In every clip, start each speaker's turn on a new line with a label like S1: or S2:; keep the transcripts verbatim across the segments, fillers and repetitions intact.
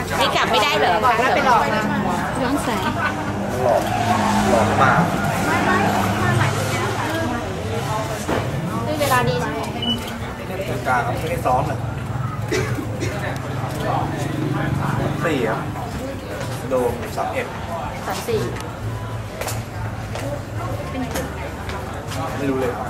S1: นี่กลับไม่ได้เหรอบอกแล้วไปหลอกมาย้อนแสง
S2: หลอกหลอกมา
S1: ด้วยเวลาดีใช่ไหม
S2: กลางไม่ได้ซ้อมเลยสี่ครับโดมสามเอ็ด
S1: สามสี่
S2: ไม่รู้เลย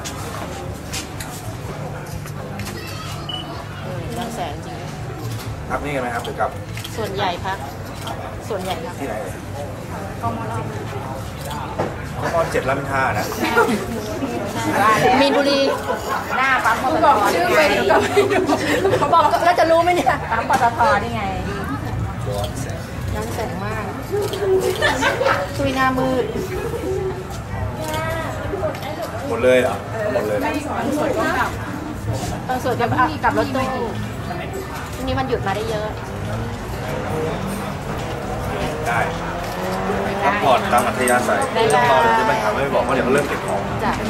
S1: ย้อนแสงจริง
S2: พักนี่กันไหมครับหรือกับ
S1: ส่วนใหญ่พักส่วนใหญ่ครับ
S2: ที่ไหนเลย
S1: กมล
S2: ก็มอเจ็ดลำท่านะ
S1: มีนบุรีหน้าปั๊มปตทชื่อไปดิเขาบอกแล้วจะรู้ไหมเนี่ยปั๊มปตทนี่ไงย้อนแสงมากคุยหน้ามืด
S2: หมดเลยเหรอหมดเลย
S1: ตอนสวดกับกับรถตู้ทีนี้มันหยุดมาได้เยอะ
S2: ได้พักผ่อนตามอัธยาศัยเรื่องต่อเดี๋ยวจะไปถามไม่บอกว่าเดี๋ยวเขาเริ่มเก็บของ
S1: จ้ะ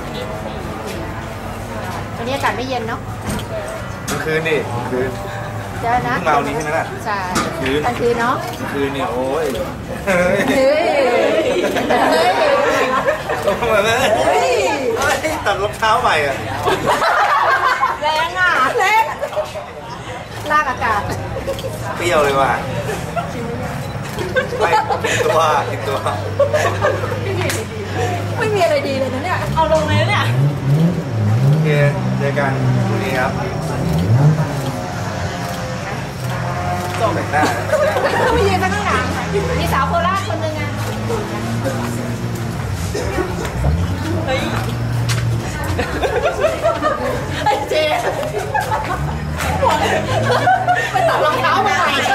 S1: วันนี้อากาศไม่เย็นเนาะ
S2: กลางคืนนี่คืน
S1: เจอนะ
S2: เพิ่งมาวันนี้ใช่ไหมล่ะ
S1: ใช่กลางคืนเนาะ
S2: กลางคืนเนี่ยโอ้ย
S1: เฮ้ยเฮ้ย
S2: ต้องมาเลยเฮ้ยตัดรองเท้าใหม่อ่ะ
S1: แรงอ่ะแรงลากอากาศ
S2: เปรี้ยวเลยว่ะไม่กินตัวกินตัว
S1: ไม่มีอะไรดีเลยนะเนี่ยเอาลงเลยเนี่ย
S2: โอเคเจอกันพรุ่งนี้ครับต้องแต่งหน้า
S1: ไม่ยืนข้างหลังมีสาวโคราชคนนึงอ่ะเฮ้ยไอ้เจไปตัดรองเท้ามาใหม่